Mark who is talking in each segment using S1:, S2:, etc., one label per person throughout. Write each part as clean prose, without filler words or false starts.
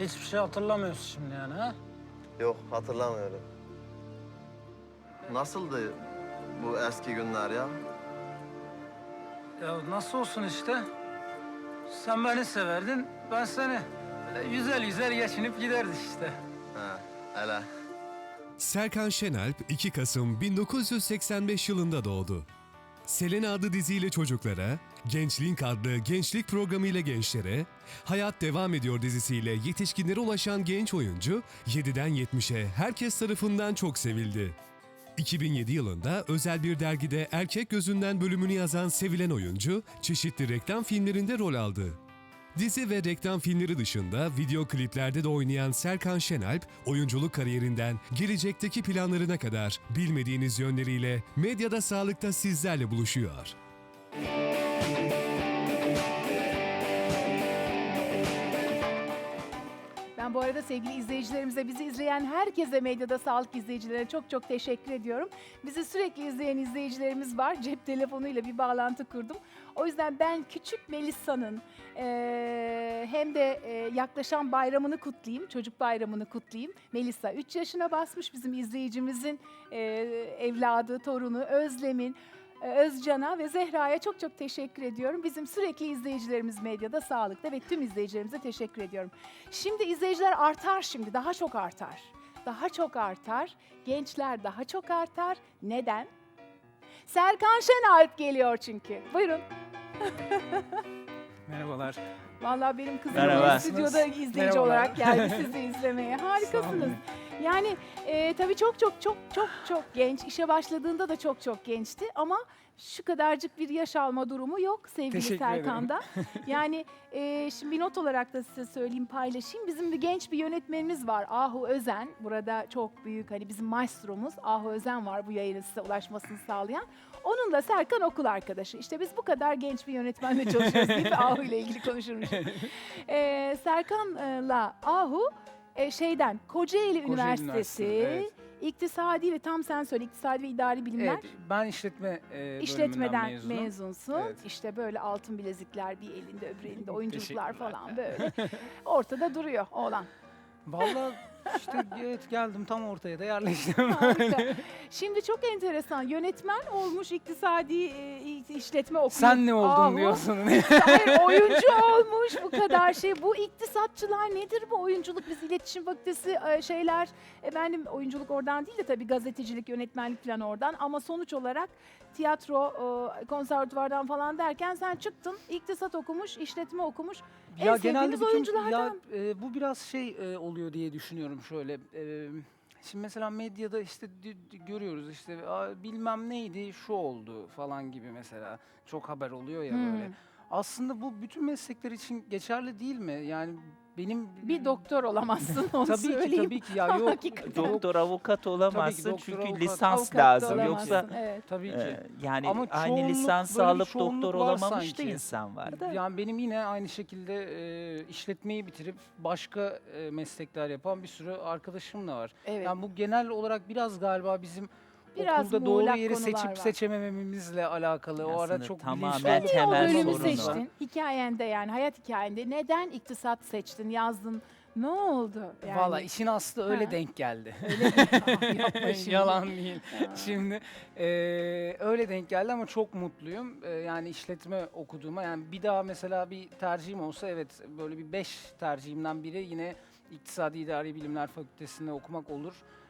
S1: Hiçbir şey hatırlamıyorsun şimdi yani ha?
S2: Yok, hatırlamıyorum. Nasıldı bu eski günler ya?
S1: Ya nasıl olsun işte? Sen beni severdin, ben seni. Böyle güzel güzel geçinip giderdik işte.
S2: He, hele.
S3: Serkan Şenalp 2 Kasım 1985 yılında doğdu. Selena adlı diziyle çocuklara, Gençlink adlı gençlik programıyla gençlere, Hayat Devam Ediyor dizisiyle yetişkinlere ulaşan genç oyuncu 7'den 70'e herkes tarafından çok sevildi. 2007 yılında özel bir dergide Erkek Gözünden bölümünü yazan sevilen oyuncu, çeşitli reklam filmlerinde rol aldı. Dizi ve reklam filmleri dışında video kliplerde de oynayan Serkan Şenalp, oyunculuk kariyerinden gelecekteki planlarına kadar bilmediğiniz yönleriyle medyada sağlıkta sizlerle buluşuyor.
S4: Ben bu arada sevgili izleyicilerimize, bizi izleyen herkese, medyada sağlık izleyicilerine çok çok teşekkür ediyorum. Bizi sürekli izleyen izleyicilerimiz var. Cep telefonuyla bir bağlantı kurdum. O yüzden ben küçük Melissa'nın hem de yaklaşan bayramını kutlayayım, çocuk bayramını kutlayayım. Melissa 3 yaşına basmış, bizim izleyicimizin evladı, torunu Özlem'in. Özcan'a ve Zehra'ya çok çok teşekkür ediyorum. Bizim sürekli izleyicilerimiz medyada, sağlıkta ve tüm izleyicilerimize teşekkür ediyorum. Şimdi izleyiciler artar şimdi, daha çok artar. Daha çok artar, gençler daha çok artar. Neden? Serkan Şenalp geliyor çünkü. Buyurun.
S1: Merhabalar.
S4: Vallahi benim kızım
S5: Merhaba.
S4: stüdyoda izleyici
S1: Merhabalar.
S4: olarak geldi sizi izlemeye.
S1: Sağ
S4: Harikasınız.
S1: olun.
S4: Yani tabii çok genç. İşe başladığında da çok gençti ama şu kadarcık bir yaş alma durumu yok sevgili
S1: Teşekkür ederim.
S4: Serkan'da. Yani şimdi bir not olarak da size söyleyeyim, paylaşayım. Bizim bir genç bir yönetmenimiz var, Ahu Özen. Burada çok büyük, hani bizim maestromuz Ahu Özen var, bu yayının size ulaşmasını sağlayan. Onunla Serkan okul arkadaşı. İşte biz bu kadar genç bir yönetmenle çalışıyoruz deyip Ahu ile ilgili konuşurmuş. Serkan'la Ahu Kocaeli Üniversitesi
S1: Üniversitesi'nde, evet.
S4: İktisadi ve tam sen söyle, İktisadi ve İdari Bilimler.
S1: Evet, ben işletme
S4: İşletmeden
S1: bölümünden mezunum.
S4: mezunsun.
S1: Evet.
S4: İşte böyle altın bilezikler, bir elinde öbür elinde oyunculuklar
S1: Teşekkürler.
S4: falan böyle. Ortada duruyor oğlan.
S1: Vallahi işte evet, geldim tam ortaya da yerleştim.
S4: Harika. Şimdi çok enteresan. Yönetmen olmuş, iktisadi işletme okumuş.
S1: Sen ne oldun
S4: Ahu.
S1: diyorsun?
S4: Hayır, oyuncu olmuş, bu kadar şey. Bu iktisatçılar nedir bu oyunculuk? Biz iletişim fakültesi efendim oyunculuk oradan değil de tabii gazetecilik, yönetmenlik falan oradan. Ama sonuç olarak tiyatro, konservatuvardan falan derken sen çıktın, iktisat okumuş, işletme okumuş. En sevdiğiniz oyunculardan.
S1: Bu biraz oluyor diye düşünüyorum şöyle. Şimdi mesela medyada işte görüyoruz işte bilmem neydi şu oldu falan gibi mesela çok haber oluyor ya böyle. Aslında bu bütün meslekler için geçerli değil mi? Yani benim
S4: Bir doktor olamazsın, onu
S1: tabii
S4: söyleyeyim.
S1: ki ya yok.
S4: Hakikaten.
S5: Doktor, avukat olamazsın
S1: doktor,
S5: çünkü
S1: avukat.
S5: lisans
S4: Avukat da
S5: lazım.
S4: olamazsın,
S5: Yoksa
S4: evet.
S1: Tabii ki.
S5: yani
S1: Ama
S5: aynı
S1: çoğunluk,
S5: lisansı
S1: böyle bir
S5: alıp
S1: çoğunluk
S5: doktor
S1: var
S5: olamamış da
S1: sanki.
S5: insan var.
S1: Yani benim yine aynı şekilde işletmeyi bitirip başka meslekler yapan bir sürü arkadaşım da var.
S4: Evet.
S1: Yani bu genel olarak biraz galiba bizim
S4: Biraz
S1: okulda doğru
S4: muğlak
S1: yeri
S4: konular
S1: seçip
S4: var.
S1: seçemememizle alakalı. O ara
S5: Aslında
S1: çok
S5: tamamen
S1: bilinçli
S4: Sen niye o
S5: temel
S4: bölümü
S5: sorunu var.
S4: seçtin? Hikayende, yani hayat hikayende neden iktisat seçtin, yazdın? Ne oldu? Yani,
S1: Valla işin aslı öyle
S4: Ha.
S1: denk geldi.
S4: öyle mi? Yapma şimdi.
S1: Yalan değil.
S4: Ya.
S1: Şimdi öyle denk geldi ama çok mutluyum. Yani işletme okuduğuma, yani bir daha mesela bir tercihim olsa evet böyle bir 5 tercihimden biri yine İktisadi İdari Bilimler Fakültesi'nde okumak olur.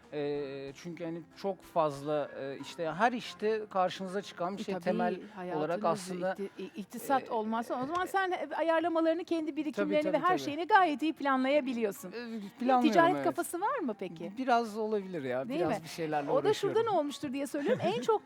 S1: Çünkü hani çok fazla işte her işte karşınıza çıkan bir şey
S4: Tabii,
S1: temel
S4: hayatınız
S1: olarak aslında
S4: iktisat olmazsa o zaman sen ayarlamalarını, kendi birikimlerini
S1: tabii,
S4: ve her
S1: tabii.
S4: şeyini gayet iyi planlayabiliyorsun.
S1: planlıyorum.
S4: Ticaret
S1: evet.
S4: kafası var mı peki?
S1: Biraz olabilir ya.
S4: Değil
S1: biraz
S4: mi?
S1: bir şeylerle
S4: O da
S1: uğraşıyorum.
S4: şuradan olmuştur diye söylüyorum. En çok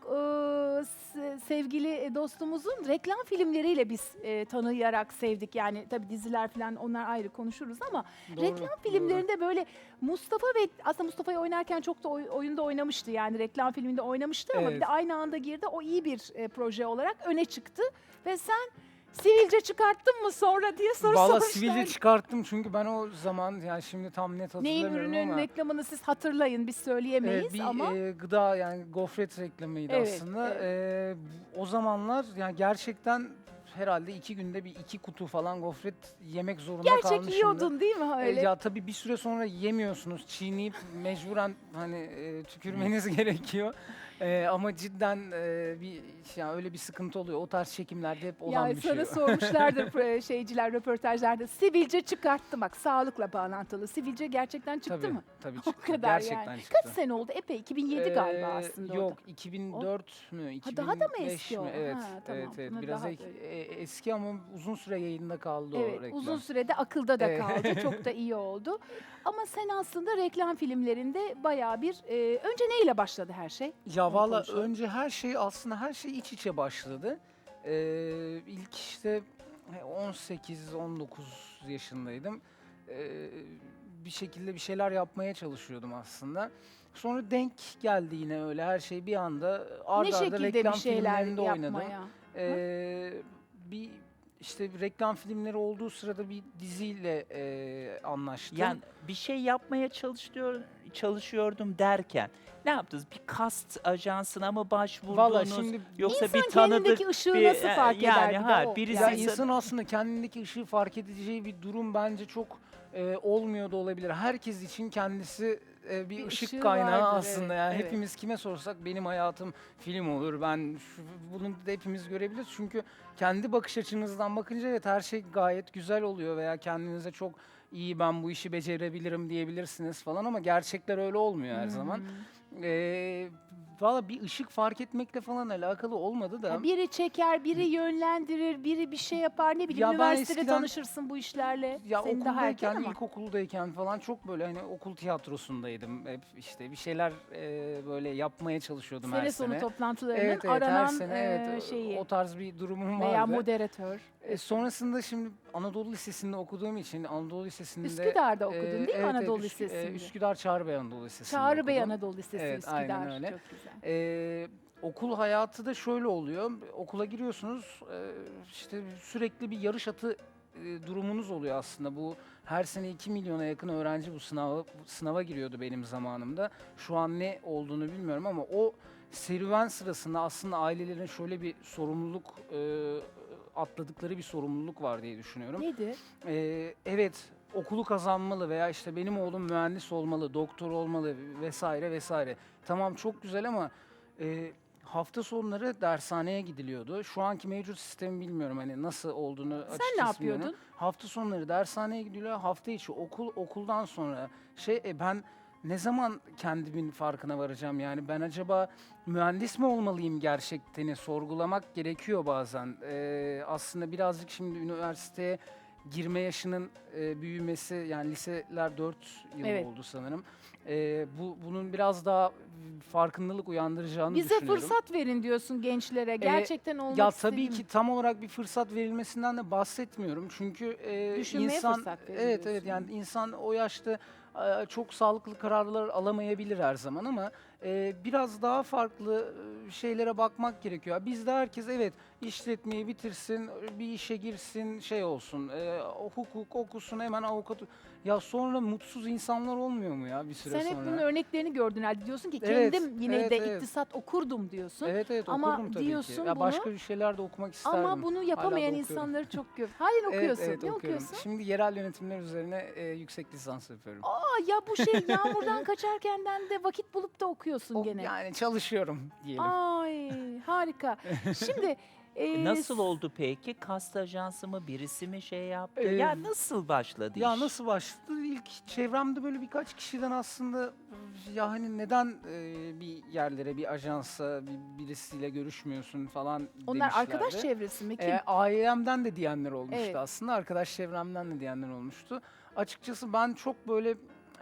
S4: sevgili dostumuzun reklam filmleriyle biz tanıyarak sevdik. Yani tabii diziler falan, onlar ayrı konuşuruz ama
S1: Doğru,
S4: reklam
S1: doğru.
S4: filmlerinde böyle Mustafa ve aslında Mustafa'yı oynarken çok da oyunda oynamıştı. Yani reklam filminde oynamıştı ama bir
S1: Evet.
S4: de aynı anda girdi. O iyi bir proje olarak öne çıktı ve sen sivilce çıkarttın mı sonra diye soru
S1: Valla
S4: sormuşlar.
S1: sivilce çıkarttım çünkü ben o zaman, yani şimdi tam net
S4: Neyin
S1: hatırlamıyorum
S4: ürünün
S1: ama
S4: reklamını siz hatırlayın, biz söyleyemeyiz
S1: bir
S4: ama
S1: gıda, yani gofret reklamıydı
S4: Evet,
S1: aslında. O zamanlar yani gerçekten herhalde 2 günde bir 2 kutu falan gofret yemek zorunda
S4: Gerçek
S1: kalmışımdır.
S4: yiyordun değil mi öyle?
S1: Ya tabii bir süre sonra yemiyorsunuz. Çiğneyip mecburen hani tükürmeniz gerekiyor. Ama cidden yani öyle bir sıkıntı oluyor. O tarz çekimlerde hep olan
S4: Ya
S1: bir şey.
S4: sana sormuşlardır şeyciler röportajlarda. Sivilce çıkarttı bak, sağlıkla bağlantılı. Sivilce gerçekten çıktı
S1: Tabii,
S4: mı?
S1: tabii
S4: O
S1: çıktı.
S4: kadar
S1: Gerçekten
S4: yani.
S1: çıktı.
S4: Kaç sene oldu? Epey. 2007 galiba aslında o da.
S1: Yok 2004 mü? 2005
S4: daha da mı eski
S1: mi?
S4: o?
S1: Evet.
S4: Ha, tamam.
S1: Evet.
S4: Buna
S1: Biraz
S4: daha
S1: eski ama uzun süre yayında kaldı o
S4: Evet,
S1: reklam.
S4: uzun sürede akılda da
S1: Evet.
S4: kaldı. Çok da iyi oldu. Ama sen aslında reklam filmlerinde bayağı bir... önce neyle başladı her şey?
S1: Ya
S4: Onu
S1: valla
S4: konuşalım.
S1: önce her şey iç içe başladı. İlk işte 18-19 yaşındaydım. Bir şekilde bir şeyler yapmaya çalışıyordum aslında. Sonra denk geldi yine öyle her şey bir anda
S4: Ne
S1: arda arda
S4: şekilde
S1: reklam
S4: bir şeyler
S1: filmlerinde oynadım.
S4: yapmaya?
S1: Bir işte reklam filmleri olduğu sırada bir diziyle anlaştım.
S5: Yani bir şey yapmaya çalışıyordum derken ne yaptınız? Bir kast ajansına mı başvurdunuz?
S1: Valla şimdi
S5: Yoksa
S4: İnsan
S5: bir tanıdık
S4: kendindeki ışığı
S5: bir
S4: nasıl fark eder?
S5: yani
S4: bir de
S5: ha
S4: o.
S5: birisi
S1: ya insan aslında kendindeki ışığı fark edeceği bir durum bence çok olmuyor da olabilir. Herkes için kendisi bir
S4: Bir
S1: ışık
S4: ışığı
S1: kaynağı
S4: vardır,
S1: aslında.
S4: evet,
S1: Yani
S4: evet.
S1: hepimiz kime sorsak benim hayatım film olur. Bunu da hepimiz görebiliriz. Çünkü kendi bakış açınızdan bakınca evet her şey gayet güzel oluyor veya kendinize çok iyi ben bu işi becerebilirim diyebilirsiniz falan ama gerçekler öyle olmuyor her zaman. Valla bir ışık fark etmekle falan alakalı olmadı da.
S4: Ya biri çeker, biri yönlendirir, biri bir şey yapar. Ne bileyim
S1: Ya ben
S4: üniversitede
S1: eskiden-
S4: tanışırsın bu işlerle.
S1: Ya
S4: Senin daha erken
S1: okuldayken,
S4: ama.
S1: ilkokuldayken falan çok böyle hani okul tiyatrosundaydım. Hep işte bir şeyler böyle yapmaya çalışıyordum her
S4: Sene sonu
S1: sene.
S4: toplantılarının
S1: Evet, her
S4: aranan
S1: sene evet
S4: şeyi
S1: o tarz bir durumum
S4: veya
S1: vardı.
S4: moderatör.
S1: Sonrasında şimdi Anadolu Lisesi'nde okuduğum için Anadolu Lisesi'nde
S4: Üsküdar'da okudun değil mi
S1: evet,
S4: Anadolu
S1: evet,
S4: Lisesi'nde?
S1: Üsküdar Çağrıbey Anadolu Lisesi'nde
S4: Çağrı Bey
S1: okudum.
S4: Anadolu Lisesi
S1: Evet,
S4: Üsküdar.
S1: aynen öyle.
S4: Çok güzel.
S1: Okul hayatı da şöyle oluyor. Okula giriyorsunuz, işte sürekli bir yarış atı durumunuz oluyor aslında. Bu her sene 2 milyona yakın öğrenci bu sınava giriyordu benim zamanımda. Şu an ne olduğunu bilmiyorum ama o serüven sırasında aslında ailelerin şöyle bir sorumluluk atladıkları bir sorumluluk var diye düşünüyorum.
S4: Nedir?
S1: Evet, okulu kazanmalı veya işte benim oğlum mühendis olmalı, doktor olmalı vesaire vesaire. Tamam çok güzel ama hafta sonları dershaneye gidiliyordu. Şu anki mevcut sistemi bilmiyorum hani nasıl olduğunu açıkçası
S4: Sen ne yapıyordun?
S1: bilmiyorum. Hafta sonları dershaneye gidiliyor, hafta içi okuldan sonra ben ne zaman kendimin farkına varacağım yani ben acaba mühendis mi olmalıyım gerçekten sorgulamak gerekiyor bazen. Aslında birazcık şimdi üniversiteye girme yaşının büyümesi yani liseler 4 yıl
S4: Evet.
S1: oldu sanırım. Bunun biraz daha farkındalık uyandıracağını
S4: Bize
S1: düşünüyorum.
S4: fırsat verin diyorsun gençlere. Gerçekten olmak
S1: Ya tabii
S4: istediğim-
S1: ki tam olarak bir fırsat verilmesinden de bahsetmiyorum. Çünkü
S4: Düşünmeye
S1: insan
S4: fırsat verin
S1: evet
S4: diyorsun.
S1: yani insan o yaşta çok sağlıklı kararlar alamayabilir her zaman ama biraz daha farklı şeylere bakmak gerekiyor. Bizde herkes evet işletmeyi bitirsin, bir işe girsin, olsun, hukuk okusun hemen avukat. Ya sonra mutsuz insanlar olmuyor mu ya bir süre
S4: Sen
S1: sonra?
S4: hep bunun örneklerini gördün herhalde. Diyorsun ki
S1: Evet,
S4: kendim yine
S1: evet,
S4: de
S1: evet.
S4: iktisat okurdum diyorsun.
S1: Evet
S4: Ama
S1: okurdum tabii
S4: diyorsun
S1: ki. Ya
S4: bunu-
S1: başka bir şeyler de okumak isterdim.
S4: Ama bunu yapamayan
S1: Hala da okuyorum.
S4: insanları çok gör. Halen okuyorsun.
S1: Evet,
S4: Ne
S1: okuyorum.
S4: okuyorsun?
S1: Şimdi yerel yönetimler üzerine yüksek lisans yapıyorum.
S4: Aa ya bu şey yağmurdan kaçarkenden de vakit bulup da okuyorsun gene.
S1: Yani çalışıyorum diyelim.
S4: Ay harika. Şimdi
S5: nasıl oldu peki? Kast ajansı mı birisi mi şey yaptı?
S1: Ee,
S5: Ya nasıl başladı
S1: Ya
S5: iş?
S1: nasıl başladı? İlk çevremde böyle birkaç kişiden aslında ya hani neden bir yerlere, bir ajansa, birisiyle görüşmüyorsun falan
S4: Onlar arkadaş
S1: demişlerdi.
S4: çevresi mi? Kim?
S1: Ailemden de diyenler olmuştu
S4: Evet.
S1: aslında. Arkadaş çevremden de diyenler olmuştu. Açıkçası ben çok böyle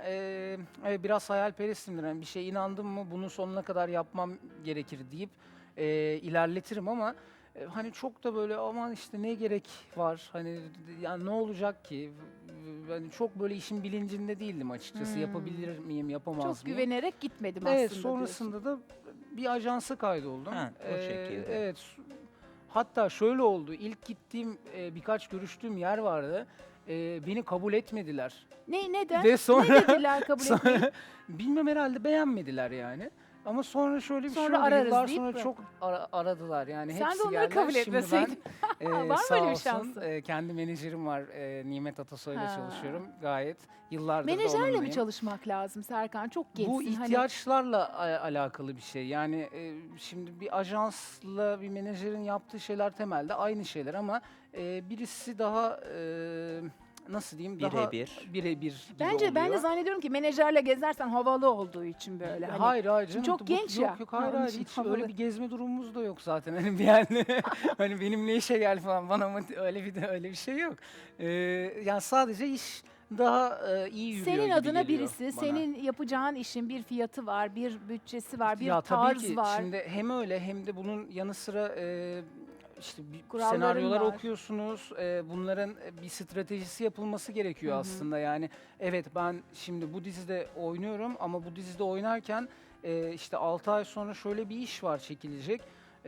S1: biraz hayalperestimdir. Yani bir şeye inandım mı bunu sonuna kadar yapmam gerekir deyip ilerletirim ama hani çok da böyle aman işte ne gerek var hani yani ne olacak ki? Ben çok böyle işin bilincinde değildim açıkçası. Yapabilir miyim, yapamaz
S4: Çok
S1: mıyım?
S4: güvenerek gitmedim
S1: Evet,
S4: aslında.
S1: sonrasında da bir ajansa kaydoldum.
S5: Ha, o şekilde.
S1: Evet. Hatta şöyle oldu. İlk gittiğim birkaç görüştüğüm yer vardı. Beni kabul etmediler.
S4: Ne neden?
S1: Ve sonra
S4: Ne dediler kabul etmeyi?
S1: bilmem herhalde beğenmediler yani. Ama sonra şöyle bir
S4: Sonra
S1: şey oldu.
S4: ararız
S1: Yıllar
S4: deyip
S1: sonra
S4: mi?
S1: çok aradılar yani.
S4: Sen de
S1: Hepsi
S4: onları
S1: geldiler.
S4: kabul
S1: Şimdi
S4: etmeseydin.
S1: ben,
S4: Var mı
S1: sağ
S4: öyle bir
S1: olsun,
S4: şansın?
S1: kendi menajerim var. Nimet Atasoy'la
S4: Ha.
S1: çalışıyorum. Gayet yıllardır da
S4: Menajerle mi
S1: onunlayım.
S4: çalışmak lazım Serkan? Çok gençsin.
S1: Bu
S4: Hani
S1: ihtiyaçlarla alakalı bir şey. Yani şimdi bir ajansla bir menajerin yaptığı şeyler temelde aynı şeyler ama birisi daha nasıl diyeyim daha
S5: Birebir.
S1: birebir gibi
S4: bence ben de
S1: oluyor.
S4: zannediyorum ki menajerle gezersen havalı olduğu için böyle. Hani
S1: Hayır hayır canım.
S4: çok
S1: bu-
S4: genç
S1: yok,
S4: ya.
S1: Yok
S4: Ha,
S1: hayır
S4: onun
S1: hayır
S4: için
S1: hiç
S4: havalı.
S1: öyle bir gezme durumumuz da yok zaten. Hani bir yani hani benim ne işe gel falan bana mı öyle bir şey yok. Yani sadece iş daha iyi yürüyor
S4: senin
S1: gibi
S4: adına
S1: geliyor
S4: birisi,
S1: bana.
S4: senin yapacağın işin bir fiyatı var, bir bütçesi var, bir
S1: Ya tabii
S4: tarz
S1: ki
S4: var.
S1: şimdi hem öyle hem de bunun yanı sıra işte
S4: Kuralların
S1: senaryolar
S4: var.
S1: okuyorsunuz. Bunların bir stratejisi yapılması gerekiyor
S4: Hı hı.
S1: aslında. Yani evet ben şimdi bu dizide oynuyorum ama bu dizide oynarken işte 6 ay sonra şöyle bir iş var çekilecek.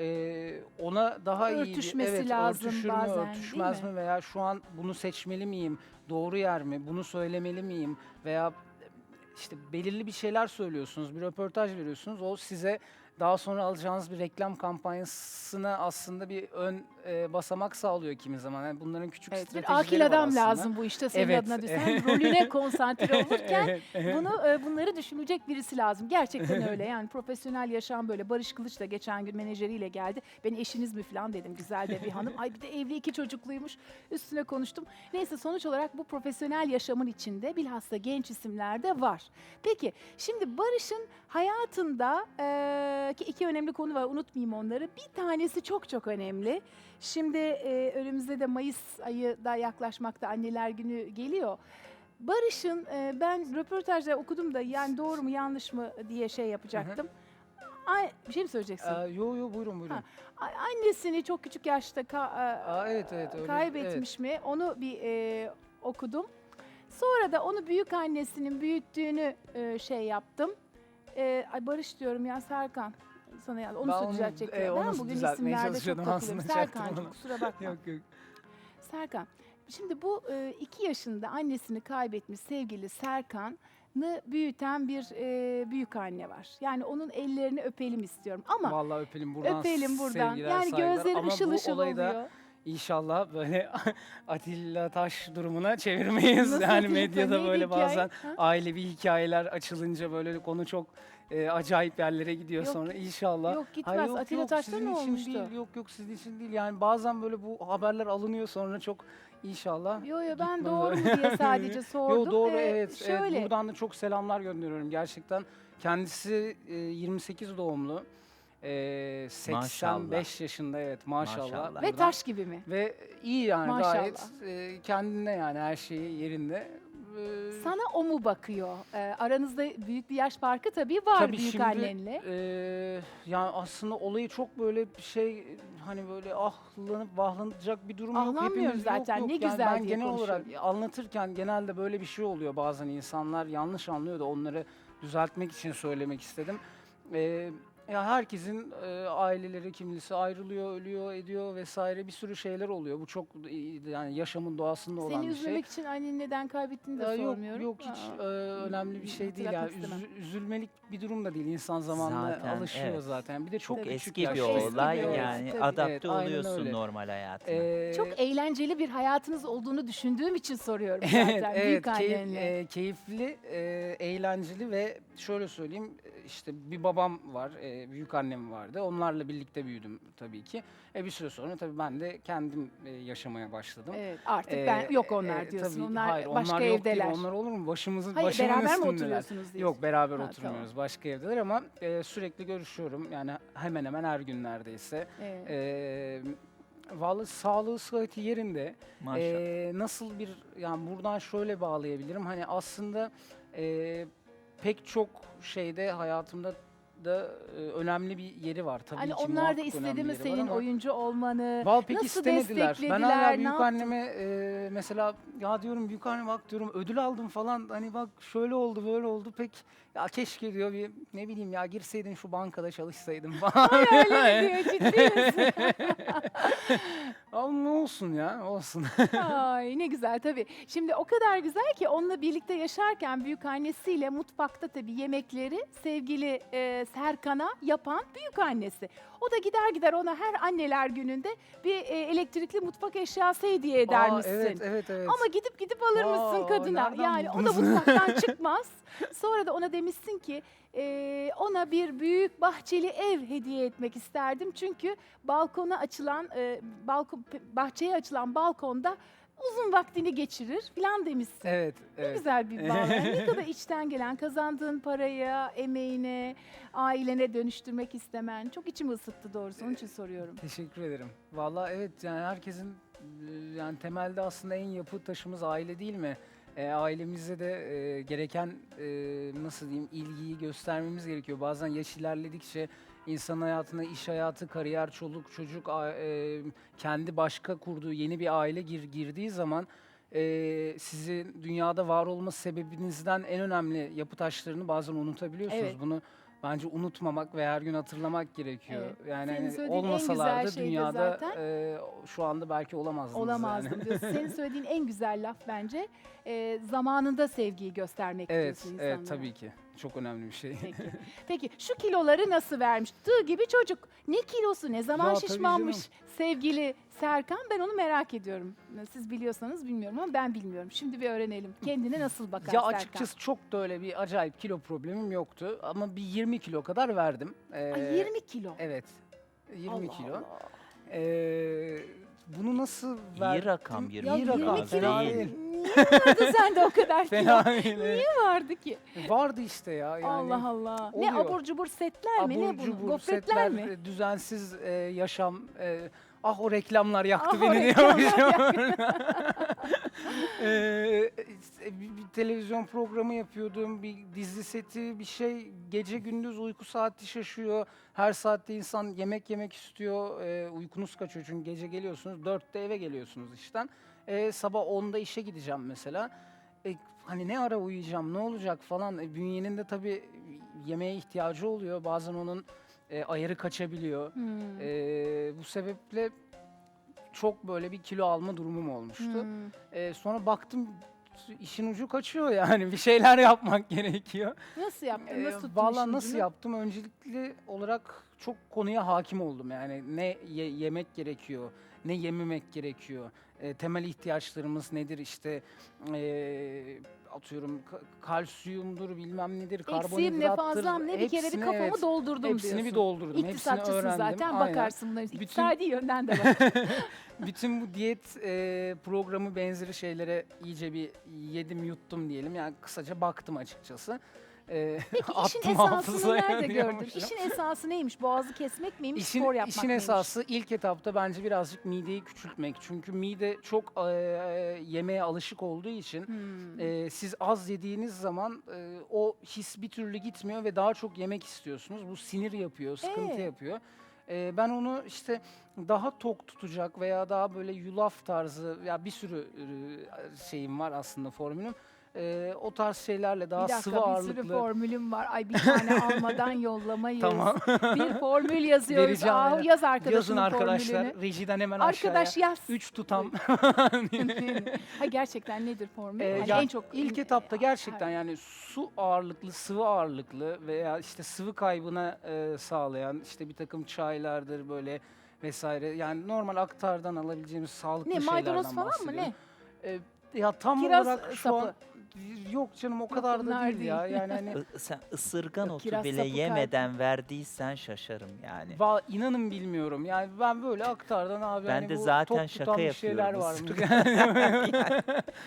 S1: Ona daha iyi
S4: Örtüşmesi
S1: evet,
S4: lazım
S1: örtüşür mü,
S4: bazen, değil
S1: örtüşmez
S4: mi?
S1: mi veya şu an bunu seçmeli miyim? Doğru yer mi? Bunu söylemeli miyim? Veya işte belirli bir şeyler söylüyorsunuz, bir röportaj veriyorsunuz. O size daha sonra alacağınız bir reklam kampanyasına aslında bir ön basamak sağlıyor kimi zaman. Yani bunların küçük
S4: Evet, bir
S1: stratejileri
S4: akil
S1: var
S4: adam
S1: aslında.
S4: lazım bu işte senin
S1: Evet.
S4: adına. Sen rolüne konsantre olurken
S1: Evet, evet.
S4: bunları düşünecek birisi lazım. Gerçekten öyle. Yani profesyonel yaşam böyle. Barış Kılıç da geçen gün menajeriyle geldi. Ben eşiniz mi falan dedim. Güzel de bir hanım. Ay bir de evli 2 çocukluymuş. Üstüne konuştum. Neyse sonuç olarak bu profesyonel yaşamın içinde bilhassa genç isimlerde var. Peki şimdi Barış'ın hayatında ki 2 önemli konu var. Unutmayayım onları. Bir tanesi çok çok önemli. Şimdi önümüzde de Mayıs ayı da yaklaşmakta, Anneler Günü geliyor. Barış'ın ben röportajda okudum da yani doğru mu yanlış mı diye şey yapacaktım. Bir şey mi söyleyeceksin?
S1: Yo buyurun.
S4: Ha, Annesini çok küçük yaşta
S1: Evet öyle.
S4: kaybetmiş mi? Onu bir okudum. Sonra da onu büyük annesinin büyüttüğünü şey yaptım. Ay Barış diyorum ya Serkan. Sana yani onu
S1: Ben onu,
S4: düzeltecektim.
S1: onu
S4: Ben bugün
S1: düzeltmeye
S4: isimlerde çok
S1: çalışıyordum,
S4: takılıyorum.
S1: aslında şey yaptım
S4: Serkan'cığım
S1: onu.
S4: kusura bakma.
S1: Yok.
S4: Serkan, şimdi bu 2 yaşında annesini kaybetmiş sevgili Serkan'ı büyüten bir büyük anne var. Yani onun ellerini öpelim istiyorum ama
S1: Vallahi öpelim buradan.
S4: öpelim buradan.
S1: sevgiler,
S4: Yani
S1: saygılar.
S4: gözleri
S1: Ama
S4: ışıl
S1: bu
S4: ışıl
S1: olayı da
S4: oluyor.
S1: İnşallah böyle Atilla Taş durumuna çevirmeyiz.
S4: Nasıl
S1: Yani
S4: Atilla
S1: medyada
S4: Taş?
S1: böyle
S4: Neydi hikaye?
S1: bazen
S4: Ha?
S1: ailevi hikayeler açılınca böyle konu çok acayip yerlere gidiyor
S4: Yok,
S1: sonra inşallah.
S4: Yok gitmez.
S1: Hayır,
S4: Atilla Taş'ta
S1: sizin
S4: ne
S1: için
S4: olmuştu?
S1: değil, yok sizin için değil. Yani bazen böyle bu haberler alınıyor sonra çok inşallah.
S4: Yo ben
S1: gitmez
S4: doğru mu
S1: öyle.
S4: diye sadece sordum.
S1: Yo doğru evet.
S4: Şöyle.
S1: Buradan da çok selamlar gönderiyorum gerçekten. Kendisi 28 doğumlu. 85 yaşında evet maşallah.
S5: Maşallah.
S4: Ve
S1: Buradan-
S4: taş gibi mi?
S1: ve iyi yani
S4: Maşallah.
S1: gayet kendine yani her şeyi yerinde.
S4: Sana o mu bakıyor? Aranızda büyük bir yaş farkı tabii var
S1: Tabii
S4: büyük
S1: şimdi,
S4: annenle.
S1: yani aslında olayı çok böyle bir şey hani böyle ahlanıp vahlanacak bir durum yok.
S4: Ahlanmıyoruz
S1: Hepimiz
S4: zaten,
S1: yok.
S4: ne
S1: Yani
S4: güzel
S1: ben
S4: diye
S1: genel olarak
S4: konuşuyorum.
S1: anlatırken genelde böyle bir şey oluyor bazen insanlar yanlış anlıyor da onları düzeltmek için söylemek istedim. Ya herkesin aileleri kimisi ayrılıyor, ölüyor, ediyor vesaire bir sürü şeyler oluyor. Bu çok yani yaşamın doğasında olan
S4: Seni
S1: bir şey.
S4: üzmemek için anneni neden kaybettiğini de
S1: Ya
S4: sormuyorum.
S1: Yok hiç önemli bir şey değil yani
S4: hatırlatmak istemem.
S1: üzülmelik bir durum da değil insan zamanla
S5: Zaten,
S1: alışıyor
S5: evet.
S1: zaten bir de çok
S5: Çok
S1: küçük
S5: eski
S1: yaş.
S5: bir
S4: Eski
S5: olay
S4: bir olay,
S5: yani
S4: tabii.
S5: adapte
S1: Evet, aynen
S5: oluyorsun
S1: öyle.
S5: normal hayatına.
S4: Çok eğlenceli bir hayatınız olduğunu düşündüğüm için soruyorum
S1: Evet,
S4: zaten
S1: evet
S4: büyük annenle.
S1: keyifli, eğlenceli ve şöyle söyleyeyim işte bir babam var, büyük annem vardı. Onlarla birlikte büyüdüm tabii ki. Bir süre sonra tabii ben de kendim yaşamaya başladım.
S4: Evet, artık ben yok onlar
S1: E,
S4: diyorsun.
S1: tabii,
S4: onlar
S1: hayır,
S4: başka
S1: onlar yok
S4: evdeler.
S1: değil. Onlar olur mu? Başımın
S4: Hayır, beraber mi
S1: üstündeler.
S4: oturuyorsunuz diyorsun?
S1: Yok beraber
S4: Ha,
S1: oturmuyoruz. Başka evdeler ama sürekli görüşüyorum. Yani hemen hemen her gün neredeyse.
S4: Evet.
S1: Vallahi sağlığı sıhhati yerinde.
S5: Maşallah.
S1: Nasıl bir yani buradan şöyle bağlayabilirim. Hani aslında pek çok şeyde hayatımda da önemli bir yeri var tabii
S4: Hani
S1: ki.
S4: onlar da
S1: muhakkak
S4: istedi
S1: önemli
S4: mi
S1: yeri var
S4: senin
S1: ama
S4: oyuncu olmanı?
S1: vallahi pek
S4: Nasıl
S1: istemediler. Ben
S4: desteklediler,
S1: hala
S4: ne
S1: büyük
S4: yaptın?
S1: anneme mesela ya diyorum büyük anne bak diyorum ödül aldım falan hani bak şöyle oldu böyle oldu pek ya keşke diyor bir ne bileyim ya girseydin şu bankada çalışsaydın falan.
S4: Öyle mi diyor, ciddi misin?
S1: Ama ne olsun ya, olsun.
S4: Ay ne güzel tabii. Şimdi o kadar güzel ki onunla birlikte yaşarken büyükannesiyle mutfakta tabii yemekleri sevgili Serkan'a yapan büyükannesi. O da gider ona her anneler gününde bir elektrikli mutfak eşyası hediye eder
S1: Aa,
S4: misin?
S1: evet.
S4: Ama gidip alır mısın
S1: Aa,
S4: kadına?
S1: nereden
S4: Yani o da
S1: buldunuz?
S4: mutfaktan çıkmaz. Sonra da ona demişsin ki ona bir büyük bahçeli ev hediye etmek isterdim. Çünkü balkona açılan bahçeye açılan balkonda uzun vaktini geçirir falan demişsin.
S1: Evet,
S4: Ne
S1: evet.
S4: güzel bir bağ. Yani ne kadar içten gelen, kazandığın paraya, emeğine, ailene dönüştürmek istemen. Çok içimi ısıttı doğrusu. Onun için soruyorum.
S1: Teşekkür ederim. Vallahi evet, yani herkesin yani temelde aslında en yapı taşımız aile değil mi? Ailemizde de gereken nasıl diyeyim ilgiyi göstermemiz gerekiyor. Bazen yaş ilerledikçe insan hayatına iş hayatı, kariyer, çoluk, çocuk, kendi başka kurduğu yeni bir aile girdiği zaman sizin dünyada var olma sebebinizden en önemli yapı taşlarını bazen unutabiliyorsunuz.
S4: Evet.
S1: Bunu bence unutmamak ve her gün hatırlamak gerekiyor.
S4: Evet.
S1: Yani
S4: Senin
S1: hani
S4: söylediğin en
S1: olmasalardı
S4: güzel şey de
S1: dünyada
S4: zaten-
S1: şu anda belki olamazdınız.
S4: Olamazdım
S1: Yani.
S4: diyorsun. Senin söylediğin en güzel laf bence zamanında sevgiyi göstermek
S1: Evet,
S4: diyorsun insanlara.
S1: evet tabii ki. Çok önemli bir şey.
S4: Peki. Peki şu kiloları nasıl vermiş? Tığ gibi çocuk. Ne kilosu, ne zaman
S1: Ya tabii
S4: şişmanmış
S1: canım.
S4: sevgili Serkan? Ben onu merak ediyorum. Siz biliyorsanız bilmiyorum ama ben bilmiyorum. Şimdi bir öğrenelim. Kendine nasıl bakar
S1: Ya
S4: Serkan?
S1: açıkçası çok da öyle bir acayip kilo problemim yoktu. Ama bir 20 kilo kadar verdim.
S4: Ay, 20 kilo.
S1: Evet. 20
S4: Allah
S1: kilo.
S4: Allah.
S1: Bunu nasıl
S5: İyi
S1: verdim?
S5: rakam 20
S4: Ya
S1: İyi rakam,
S4: 20
S1: fena
S4: kilo
S1: değil.
S4: niye vardı sende o kadar kilo?
S1: Fena değil.
S4: Niye vardı ki?
S1: Vardı işte ya. Yani
S4: Allah Allah. Ne
S1: oluyor.
S4: abur cubur setler mi? Ne
S1: abur
S4: bunu?
S1: cubur,
S4: Gofretler
S1: setler,
S4: mi?
S1: düzensiz yaşam. Ah o reklamlar yaktı
S4: Ah, o
S1: beni
S4: reklamlar
S1: diyormuşum. Bir televizyon programı yapıyordum, bir dizi seti, bir şey. Gece gündüz uyku saati şaşıyor. Her saatte insan yemek yemek istiyor. Uykunuz kaçıyor çünkü gece geliyorsunuz, 4'te eve geliyorsunuz işten. Sabah 10'da işe gideceğim mesela. Hani ne ara uyuyacağım, ne olacak falan. Bünyenin de tabii yemeğe ihtiyacı oluyor. Bazen onun ayarı kaçabiliyor.
S4: Hmm.
S1: Bu sebeple çok böyle bir kilo alma durumum olmuştu. Sonra baktım işin ucu kaçıyor yani bir şeyler yapmak gerekiyor.
S4: Nasıl yaptın? Nasıl tuttun
S1: Vallahi
S4: işin
S1: nasıl
S4: ucunu?
S1: yaptım? Öncelikli olarak çok konuya hakim oldum. Yani ne yemek gerekiyor, ne yememek gerekiyor. Temel ihtiyaçlarımız nedir işte atıyorum kalsiyumdur bilmem nedir,
S4: Eksiğim ne
S1: karbonhidrattır.
S4: fazlam ne bir kere bir
S1: Hepsini,
S4: kafamı
S1: evet,
S4: doldurdum
S1: hepsini
S4: diyorsun.
S1: bir doldurdum. Hepsini
S4: İktisatçısın
S1: öğrendim.
S4: zaten
S1: Aynen.
S4: bakarsın bunların.
S1: Bütün-
S4: İktisadi yönden de bak.
S1: Bütün bu diyet programı benzeri şeylere iyice bir yedim yuttum diyelim. Yani kısaca baktım açıkçası.
S4: Peki işin
S1: Attım
S4: esasını
S1: hafızaya
S4: nerede gördün?
S1: diyormuşum.
S4: İşin esası neymiş? Boğazı kesmek miymiş?
S1: İşin,
S4: spor yapmak
S1: işin
S4: mıymış?
S1: esası ilk etapta bence birazcık mideyi küçültmek. Çünkü mide çok yemeğe alışık olduğu için siz az yediğiniz zaman o his bir türlü gitmiyor ve daha çok yemek istiyorsunuz. Bu sinir yapıyor, sıkıntı yapıyor. Ben onu işte daha tok tutacak veya daha böyle yulaf tarzı ya bir sürü şeyim var aslında formülüm. O tarz şeylerle daha
S4: Bir dakika
S1: sıvı
S4: bir
S1: ağırlıklı.
S4: sürü formülüm var. Ay bir tane almadan yollamayız.
S1: Tamam.
S4: Bir formül yazıyoruz.
S1: Vereceğim,
S4: Ah,
S1: aynen.
S4: yaz arkadaşının
S1: Yazın arkadaşlar
S4: formülünü.
S1: rejiden hemen
S4: Arkadaş
S1: aşağıya.
S4: yaz.
S1: 3 tutam.
S4: Ha gerçekten nedir formül?
S1: Ee,
S4: Hani
S1: ya
S4: en çok
S1: ilk etapta gerçekten yani su ağırlıklı, sıvı ağırlıklı veya işte sıvı kaybına sağlayan işte bir takım çaylardır böyle vesaire. Yani normal aktardan alabileceğimiz sağlıklı
S4: ne
S1: şeylerden
S4: maydanoz falan mı
S1: bahsediyorum.
S4: ne?
S1: Ya tam
S4: Kiraz
S1: olarak şu
S4: sapı.
S1: an yok canım o kadar da
S4: bunlar
S1: değil ya.
S4: değil.
S1: Yani hani
S5: Sen ısırgan
S4: Yok,
S5: otu
S4: kiraz
S5: bile
S4: sapı kalbi.
S5: yemeden verdiysen şaşarım yani.
S1: inanın bilmiyorum. Yani ben böyle aktardan abi
S5: Ben
S1: hani
S5: de
S1: bu
S5: zaten
S1: tok
S5: şaka
S1: tutan bir şeyler
S5: yapıyorum,
S1: var.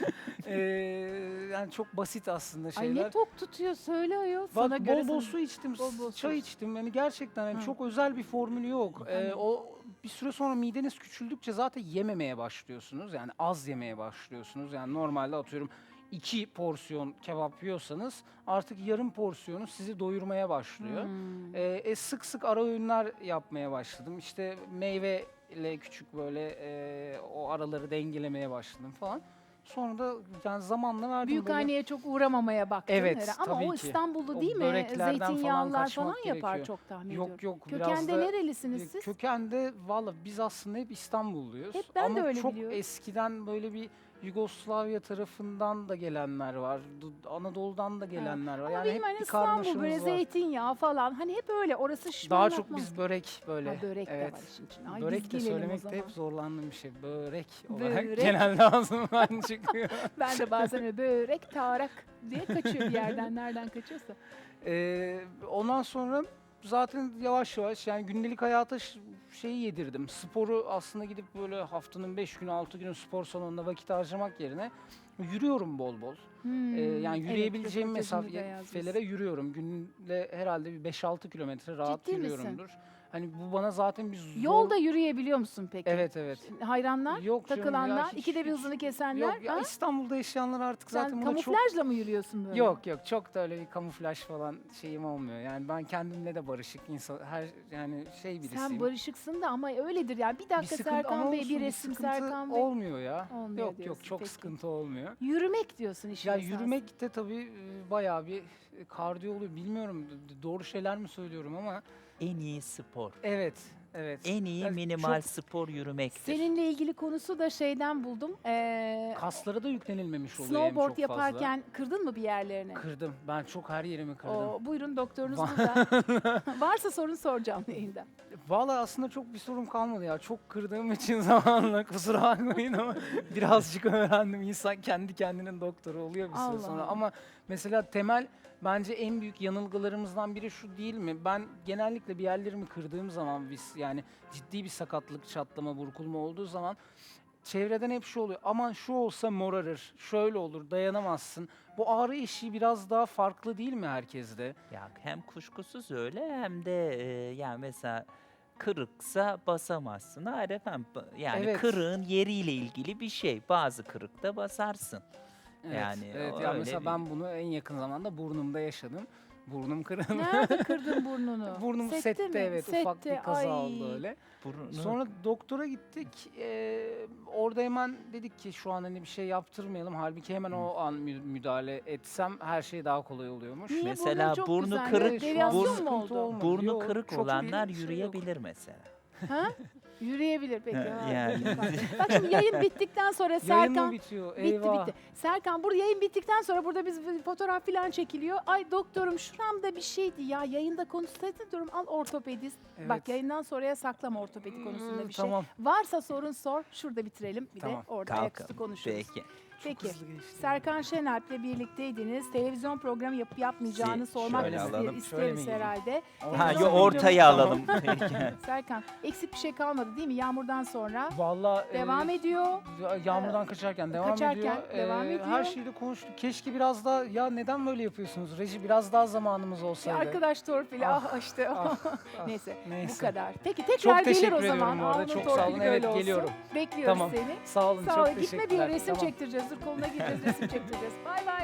S1: Yani çok basit aslında
S4: Ay
S1: şeyler.
S4: ne tok tutuyor söyle ayol.
S1: Bak
S4: Sana göre
S1: bol bol
S4: sana-
S1: su içtim,
S4: Bol bol
S1: çay
S4: su.
S1: içtim. Yani gerçekten hani
S4: Hı.
S1: çok özel bir formülü yok.
S4: Anladım.
S1: O bir süre sonra mideniz küçüldükçe zaten yememeye başlıyorsunuz. Yani az yemeye başlıyorsunuz. Yani normalde atıyorum 2 porsiyon kebap yiyorsanız artık yarım porsiyonu sizi doyurmaya başlıyor. Sık sık ara öğünler yapmaya başladım. İşte meyveyle küçük böyle o araları dengelemeye başladım falan. Sonra da yani zamanla verdim.
S4: Büyük
S1: böyle.
S4: anneye çok uğramamaya baktın
S1: Evet,
S4: herhalde. Ama
S1: tabii
S4: o
S1: ki.
S4: İstanbul'da
S1: O
S4: değil mi?
S1: böreklerden falan
S4: Zeytinyağlılar
S1: kaçmak
S4: falan yapar
S1: gerekiyor.
S4: çok tahmin ediyorum.
S1: Yok biraz
S4: Kökende
S1: da
S4: nerelisiniz siz?
S1: kökende valla biz aslında hep İstanbulluyuz.
S4: Hep ben de
S1: Ama
S4: öyle
S1: çok
S4: biliyorum.
S1: eskiden böyle bir Yugoslavya tarafından da gelenler var. Anadolu'dan da gelenler var.
S4: Ama
S1: Yani
S4: benim
S1: hep
S4: hani
S1: bir
S4: İstanbul böyle
S1: karmaşamız var.
S4: zeytinyağı falan hani hep öyle orası
S1: Daha
S4: şişmanlatmaz.
S1: çok biz börek böyle.
S4: Ha, börek de
S1: evet.
S4: var işin içinde. Ay,
S1: Börek
S4: biz
S1: de
S4: gelelim o
S1: söylemekte
S4: zaman.
S1: hep zorlandığım bir şey. Börek olarak
S4: Börek.
S1: genelde ağzımdan çıkıyor.
S4: Ben de bazen öyle börek, tarak diye kaçıyor bir yerden. Nereden kaçıyorsa.
S1: Ondan sonra zaten yavaş yavaş yani gündelik hayata şeyi yedirdim. Sporu aslında gidip böyle haftanın 5 günü 6 günü spor salonunda vakit harcamak yerine yürüyorum bol bol. Yani
S4: evet,
S1: yürüyebileceğim
S4: röportajını da yazmışsın.
S1: mesafelere yürüyorum. Günde herhalde bir 5-6 kilometre rahat
S4: Ciddi misin?
S1: yürüyorumdur. Hani bu bana zaten bir zor...
S4: Yolda yürüyebiliyor musun peki?
S1: Evet evet.
S4: Hayranlar,
S1: Yok canım ya,
S4: takılanlar,
S1: hiç-
S4: ikide bir
S1: hiç-
S4: hızını kesenler.
S1: Yok ya
S4: ha?
S1: İstanbul'da yaşayanlar artık
S4: Sen
S1: zaten buna çok...
S4: kamuflajla mı yürüyorsun böyle?
S1: Yok çok da öyle bir kamuflaj falan şeyim olmuyor. Yani ben kendimle de barışık insan yani şey birisiyim.
S4: Sen barışıksın da ama öyledir yani. Bir
S1: Bir
S4: dakika
S1: sıkıntı
S4: Serkan
S1: ama
S4: Bey,
S1: olsun,
S4: bir
S1: bir
S4: resim
S1: sıkıntı
S4: Serkan Bey.
S1: olmuyor ya.
S4: Olmuyor
S1: Yok
S4: diyorsun,
S1: çok
S4: peki.
S1: sıkıntı olmuyor.
S4: Yürümek diyorsun işin
S1: Ya
S4: esası.
S1: yürümek de tabii bayağı bir kardiyo oluyor. Bilmiyorum doğru şeyler mi söylüyorum ama
S5: En iyi spor.
S1: evet evet.
S5: En iyi
S1: Yani
S5: minimal
S1: çok-
S5: spor yürümektir.
S4: Seninle ilgili konusu da şeyden buldum.
S1: Kaslara da yüklenilmemiş oluyor hem
S4: Snowboard
S1: çok
S4: yaparken kırdın mı bir yerlerini?
S1: fazla. Kırdım. Ben çok her yerimi kırdım.
S4: Buyurun doktorunuz
S1: Va-
S4: burada. Varsa sorun soracağım yayında.
S1: Vallahi aslında çok bir sorum kalmadı ya. Çok kırdığım için zamanla kusura bakmayın ama birazcık öğrendim. İnsan kendi kendinin doktoru oluyor bir süre
S4: Allah
S1: sonra.
S4: Allah.
S1: Ama mesela temel bence en büyük yanılgılarımızdan biri şu değil mi? Ben genellikle bir yerlerimi kırdığım zaman yani ciddi bir sakatlık, çatlama, burkulma olduğu zaman çevreden hep şu oluyor. Aman şu olsa morarır, şöyle olur, dayanamazsın. Bu ağrı eşiği biraz daha farklı değil mi herkeste?
S5: Ya hem kuşkusuz öyle hem de yani mesela kırıksa basamazsın. Hayır efendim yani
S1: Evet.
S5: kırığın yeriyle ilgili bir şey. Bazı kırıkta basarsın.
S1: Evet,
S5: Yani
S1: evet.
S5: o
S1: Ya
S5: öyle
S1: mesela
S5: bir-
S1: ben bunu en yakın zamanda burnumda yaşadım. Burnum kırıldı.
S4: Nerede kırdın burnunu?
S1: Burnum sette
S4: mi?
S1: evet ufak
S4: Sette,
S1: bir kaza
S4: ay.
S1: oldu öyle.
S5: Burnu-
S1: Sonra doktora gittik. Orada hemen dedik ki şu an hani bir şey yaptırmayalım. Halbuki hemen o an müdahale etsem her şey daha kolay oluyormuş.
S4: Niye?
S5: Mesela
S4: Burnun çok
S5: burnu
S4: güzel.
S5: kırık,
S4: Evet,
S1: Şu an
S4: deviyasyon
S5: burnu-
S4: mu
S1: sıkıntı
S4: oldu?
S1: olmadı.
S5: burnu
S1: Yok,
S5: kırık
S1: çok bir
S5: olanlar
S1: şey yok.
S5: yürüyebilir mesela.
S4: Ha? Yürüyebilir peki.
S5: Ha,
S4: ha,
S5: yani.
S4: Bak şimdi yayın bittikten sonra
S1: Yayın mı
S4: Serkan...
S1: bitiyor?
S4: Bitti
S1: Eyvah.
S4: bitti. Serkan burada yayın bittikten sonra burada biz bir fotoğraf falan çekiliyor. Ay doktorum şuramda bir şeydi ya yayında konuşsaydın diyorum al ortopedist. Bak
S1: Evet.
S4: yayından sonraya saklama ortopedi konusunda bir şey.
S1: Tamam.
S4: Varsa sorun sor şurada bitirelim bir
S1: Tamam.
S4: de orada
S5: Kalkalım.
S4: ayaküstü konuşuruz.
S5: Peki.
S4: Peki.
S1: Hızlı geçti.
S4: Serkan Şener'le birlikteydiniz. Televizyon programı yapıp yapmayacağını sormak
S5: şöyle alalım.
S1: Şöyle mi
S4: isteriz
S1: gideyim?
S4: herhalde.
S5: Ha,
S4: Televizyon
S5: yo, ortaya
S4: programı-
S5: alalım. Peki.
S4: Serkan eksik bir şey kalmadı değil mi? Yağmurdan sonra
S1: Vallahi
S4: devam ediyor.
S1: Yağmurdan kaçarken devam
S4: kaçarken
S1: ediyor.
S4: devam ediyor.
S1: Her şeyi de konuştuk. Keşke biraz daha ya neden böyle yapıyorsunuz? Reji biraz daha zamanımız
S4: Bir
S1: olsaydı.
S4: arkadaş torpili işte.
S1: ah,
S4: Neyse,
S1: neyse.
S4: bu kadar. Peki tekrar gelir
S1: teşekkür
S4: o
S1: ediyorum
S4: zaman.
S1: bu arada,
S4: Alnın
S1: çok
S4: torpili
S1: sağ olun.
S4: böyle
S1: Evet,
S4: olsun.
S1: geliyorum.
S4: Bekliyoruz
S1: Tamam.
S4: seni.
S1: Sağ olun,
S4: Sağ ol.
S1: çok
S4: Gitme
S1: teşekkürler.
S4: bir resim
S1: Tamam.
S4: çektireceğiz. Dur koluna gireceğiz resim çektireceğiz. Bay bay.